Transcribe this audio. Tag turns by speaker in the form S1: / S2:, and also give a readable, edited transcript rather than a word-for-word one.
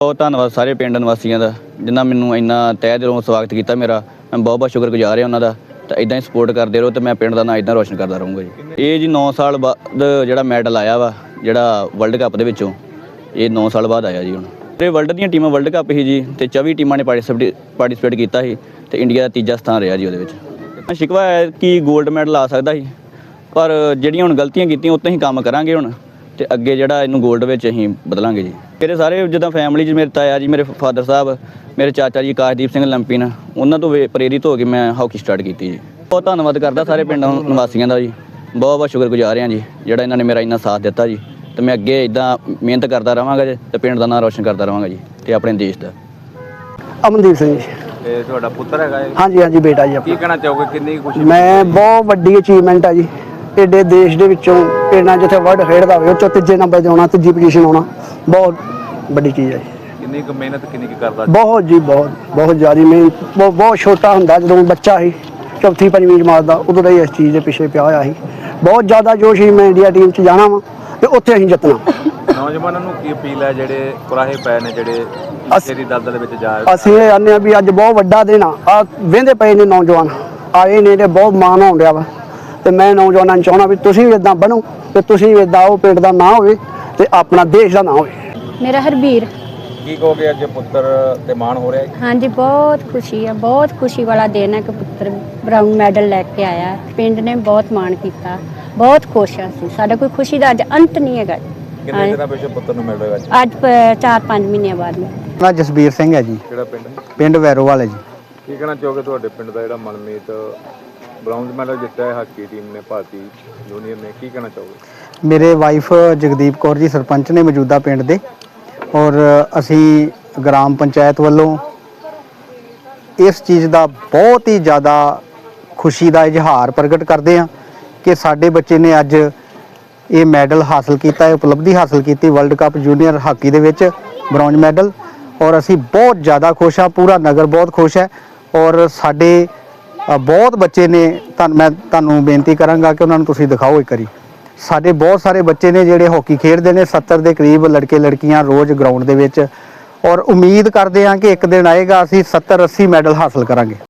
S1: ਬਹੁਤ ਧੰਨਵਾਦ ਸਾਰੇ ਪਿੰਡ ਨਿਵਾਸੀਆਂ ਦਾ ਜਿਨ੍ਹਾਂ ਮੈਨੂੰ ਇੰਨਾ ਤਹਿ ਦਿਲੋਂ ਸਵਾਗਤ ਕੀਤਾ ਮੇਰਾ। ਮੈਂ ਬਹੁਤ ਬਹੁਤ ਸ਼ੁਕਰਗੁਜ਼ਾਰ ਹਾਂ ਉਹਨਾਂ ਦਾ। ਤਾਂ ਇਦਾਂ ਹੀ ਸਪੋਰਟ ਕਰਦੇ ਰਹੋ ਤੇ ਮੈਂ ਪਿੰਡ ਦਾ ਨਾਂ ਇਦਾਂ ਰੋਸ਼ਨ ਕਰਦਾ ਰਹੂੰਗਾ ਜੀ। ਇਹ ਜੀ 9 ਸਾਲ ਬਾਅਦ ਜਿਹੜਾ ਮੈਡਲ ਆਇਆ ਵਾ ਜਿਹੜਾ ਵਰਲਡ ਕੱਪ ਦੇ ਵਿੱਚੋਂ, ਇਹ 9 ਸਾਲ ਬਾਅਦ ਆਇਆ ਜੀ। ਹੁਣ ਇਹ ਵਰਲਡ ਦੀਆਂ ਟੀਮਾਂ ਵਰਲਡ ਕੱਪ ਸੀ ਜੀ ਤੇ 24 ਟੀਮਾਂ ਨੇ ਪਾਰਟਿਸਿਪੇਟ ਕੀਤਾ ਸੀ ਤੇ ਇੰਡੀਆ ਦਾ ਤੀਜਾ ਸਥਾਨ ਰਿਹਾ ਜੀ ਉਹਦੇ ਵਿੱਚ। ਸ਼ਿਕਵਾ ਹੈ ਕਿ 골ਡ ਮੈਡਲ ਆ ਸਕਦਾ ਸੀ, ਪਰ ਜਿਹੜੀਆਂ ਹੁਣ ਗਲਤੀਆਂ ਕੀਤੀਆਂ ਉੱਤੇ ਹੀ ਕੰਮ ਕਰਾਂਗੇ ਹੁਣ ਤੇ ਅੱਗੇ ਜਿਹੜਾ ਇਹਨੂੰ 골ਡ ਵਿੱਚ ਅਸੀਂ ਬਦਲਾਂਗੇ ਜੀ। ਮੇਰੇ ਸਾਰੇ ਜਿੱਦਾਂ ਫੈਮਿਲੀ 'ਚ ਮੇਰੇ ਤਾਇਆ ਜੀ, ਮੇਰੇ ਫਾਦਰ ਸਾਹਿਬ, ਮੇਰੇ ਚਾਚਾ ਜੀ ਆਕਾਸ਼ਦੀਪ ਸਿੰਘ ਲੰਪੀਨ, ਉਹਨਾਂ ਤੋਂ ਪ੍ਰੇਰਿਤ ਹੋ ਕੇ ਮੈਂ ਹਾਕੀ ਸਟਾਰਟ ਕੀਤੀ ਜੀ। ਬਹੁਤ ਧੰਨਵਾਦ ਕਰਦਾ ਸਾਰੇ ਪਿੰਡ ਨਿਵਾਸੀਆਂ ਦਾ ਜੀ। ਬਹੁਤ ਬਹੁਤ ਸ਼ੁਕਰਗੁਜ਼ਾਰ ਹਾਂ ਜੀ ਜਿਹੜਾ ਇਹਨਾਂ ਨੇ ਮੇਰਾ ਇੰਨਾ ਸਾਥ ਦਿੱਤਾ ਜੀ। ਤੇ ਮੈਂ ਅੱਗੇ ਇੱਦਾਂ ਮਿਹਨਤ ਕਰਦਾ ਰਹਾਂਗਾ ਜੀ ਤੇ ਪਿੰਡ ਦਾ ਨਾਂ ਰੋਸ਼ਨ ਕਰਦਾ ਰਹਾਂਗਾ ਜੀ ਤੇ ਆਪਣੇ ਦੇਸ਼ ਦਾ।
S2: ਅਮਨਦੀਪ ਸਿੰਘ ਜੀ।
S3: ਤੇ ਤੁਹਾਡਾ ਪੁੱਤਰ ਹੈਗਾ ਇਹ?
S2: ਹਾਂਜੀ ਹਾਂਜੀ ਬੇਟਾ ਜੀ।
S3: ਕੀ ਕਹਿਣਾ ਚਾਹੋਗੇ, ਕਿੰਨੀ ਖੁਸ਼ੀ?
S2: ਮੈਂ ਬਹੁਤ ਵੱਡੀ ਅਚੀਵਮੈਂਟ ਆ ਜੀ। ਏਡੇ ਦੇਸ਼ ਦੇ ਵਿੱਚੋਂ ਪਿੰਡਾਂ ਜਿੱਥੇ ਵਰਲਡ ਖੇਡਦਾ ਹੋਵੇ ਉਹ 'ਚੋਂ ਤੀਜੇ ਨੰਬਰ 'ਤੇ ਆਉਣਾ, ਤੀਜੀ ਪੋਜੀਸ਼ਨ ਆਉਣਾ ਬਹੁਤ ਵੱਡੀ ਚੀਜ਼ ਹੈ ਜੀ।
S3: ਕਿੰਨੀ ਕੁ ਮਿਹਨਤ ਕਿੰਨੀ ਕੁ ਕਰਦਾ?
S2: ਬਹੁਤ ਜੀ ਬਹੁਤ ਜ਼ਿਆਦਾ ਮਿਹਨਤ। ਬਹੁਤ ਛੋਟਾ ਹੁੰਦਾ ਜਦੋਂ ਬੱਚਾ ਸੀ, ਚੌਥੀ ਪੰਜਵੀਂ ਜਮਾਤ ਦਾ, ਉਦੋਂ ਦਾ ਹੀ ਇਸ ਚੀਜ਼ ਦੇ ਪਿੱਛੇ ਪਿਆ ਹੋਇਆ ਸੀ। ਬਹੁਤ ਜ਼ਿਆਦਾ ਜੋਸ਼ ਸੀ ਮੈਂ ਇੰਡੀਆ ਟੀਮ 'ਚ ਜਾਣਾ ਵਾ ਤੇ ਉੱਥੇ ਅਸੀਂ ਜਿੱਤਣਾ।
S3: ਨੌਜਵਾਨਾਂ ਨੂੰ ਕੀ ਅਪੀਲ ਹੈ ਜਿਹੜੇ ਕੁਰਾਹੇ ਪਏ ਨੇ, ਜਿਹੜੇ ਤੇਰੀ ਦਲਦਲ ਵਿੱਚ ਜਾ ਰਹੇ?
S2: ਅਸੀਂ ਇਹ ਆਨੇ ਆ ਵੀ ਅੱਜ ਬਹੁਤ ਵੱਡਾ ਦਿਨ ਆ ਵਹਿੰਦੇ ਪਏ ਨੇ ਨੌਜਵਾਨ ਆਏ ਨੇ ਤੇ ਬਹੁਤ ਮਾਣ ਹੋਣ ਡਿਆ ਵਾ। ਤੇ ਮੈਂ ਨੌਜਵਾਨਾਂ ਨੂੰ ਚਾਹੁੰਦਾ ਵੀ ਤੁਸੀਂ ਵੀ ਇਦਾਂ ਬਣੋ ਤੇ ਤੁਸੀਂ ਵੀ ਇਦਾਂ ਉਹ ਪਿੰਡ ਦਾ ਨਾਂ ਹੋਵੇ ਤੇ ਆਪਣਾ ਦੇਸ਼ ਦਾ ਨਾਂ ਹੋਵੇ।
S4: ਮੇਰਾ ਹਰਬੀਰ।
S3: ਕੀ ਕਹੋਗੇ, ਅੱਜ ਪੁੱਤਰ ਤੇ ਮਾਣ ਹੋ ਰਿਹਾ ਹੈ?
S4: ਹਾਂਜੀ ਬਹੁਤ ਖੁਸ਼ੀ ਹੈ, ਬਹੁਤ ਖੁਸ਼ੀ ਵਾਲਾ ਦਿਨ ਹੈ ਕਿ ਪੁੱਤਰ ਬਰਾਊਨ ਮੈਡਲ ਲੈ ਕੇ ਆਇਆ। ਪਿੰਡ ਨੇ ਬਹੁਤ ਮਾਣ ਕੀਤਾ, ਬਹੁਤ ਖੁਸ਼ ਹਾਂ ਅਸੀਂ। ਸਾਡਾ ਕੋਈ ਖੁਸ਼ੀ ਦਾ ਅੱਜ ਅੰਤ ਨਹੀਂ ਹੈਗਾ।
S3: ਕਿੰਨੇ ਦਿਨਾਂ ਪਿੱਛੇ ਪੁੱਤਰ ਨੂੰ ਮਿਲ ਰਿਹਾ
S4: ਅੱਜ 4-5 ਮਹੀਨਿਆਂ ਬਾਅਦ ਮੈਂ।
S5: ਮੈਂ ਜਸਬੀਰ ਸਿੰਘ ਹੈ ਜੀ।
S3: ਕਿਹੜਾ ਪਿੰਡ?
S5: ਪਿੰਡ ਵੈਰੋਵਾਲ ਹੈ ਜੀ।
S3: ਕੀ ਕਹਿਣਾ ਚਾਹੋਗੇ, ਤੁਹਾਡੇ ਪਿੰਡ ਦਾ ਜਿਹੜਾ ਮਨਮੀਤ ਬ੍ਰਾਊਨਜ਼ ਮੈਡਲ ਜਿੱਤਿਆ ਹੈ ਹਾਕੀ ਟੀਮ ਨੇ, ਭਾਰਤੀ ਜੂਨੀਅਰ ਨੇ, ਕੀ ਕਹਿਣਾ ਚਾਹੋਗੇ?
S5: ਮੇਰੇ ਵਾਈਫ ਜਗਦੀਪ ਕੌਰ ਜੀ ਸਰਪੰਚ ਨੇ ਮੌਜੂਦਾ ਪਿੰਡ ਦੇ, ਔਰ ਅਸੀਂ ਗ੍ਰਾਮ ਪੰਚਾਇਤ ਵੱਲੋਂ ਇਸ ਚੀਜ਼ ਦਾ ਬਹੁਤ ਹੀ ਜ਼ਿਆਦਾ ਖੁਸ਼ੀ ਦਾ ਇਜ਼ਹਾਰ ਪ੍ਰਗਟ ਕਰਦੇ ਹਾਂ ਕਿ ਸਾਡੇ ਬੱਚੇ ਨੇ ਅੱਜ ਇਹ ਮੈਡਲ ਹਾਸਲ ਕੀਤਾ ਹੈ, ਉਪਲਬਧੀ ਹਾਸਲ ਕੀਤੀ ਵਰਲਡ ਕੱਪ ਜੂਨੀਅਰ ਹਾਕੀ ਦੇ ਵਿੱਚ ਬ੍ਰੌਂਜ ਮੈਡਲ। ਔਰ ਅਸੀਂ ਬਹੁਤ ਜ਼ਿਆਦਾ ਖੁਸ਼ ਹਾਂ, ਪੂਰਾ ਨਗਰ ਬਹੁਤ ਖੁਸ਼ ਹੈ। ਔਰ ਸਾਡੇ ਬਹੁਤ ਬੱਚੇ ਨੇ, ਮੈਂ ਤੁਹਾਨੂੰ ਬੇਨਤੀ ਕਰਾਂਗਾ ਕਿ ਉਹਨਾਂ ਨੂੰ ਤੁਸੀਂ ਦਿਖਾਓ ਇੱਕ ਵਾਰੀ। ਸਾਡੇ ਬਹੁਤ ਸਾਰੇ ਬੱਚੇ ਨੇ ਜਿਹੜੇ ਹਾਕੀ ਖੇਡਦੇ ਨੇ, 70 ਦੇ ਕਰੀਬ ਲੜਕੇ ਲੜਕੀਆਂ ਰੋਜ਼ ਗਰਾਊਂਡ ਦੇ ਵਿੱਚ। ਔਰ ਉਮੀਦ ਕਰਦੇ ਹਾਂ ਕਿ ਇੱਕ ਦਿਨ ਆਏਗਾ ਅਸੀਂ 70-80 ਮੈਡਲ ਹਾਸਲ ਕਰਾਂਗੇ।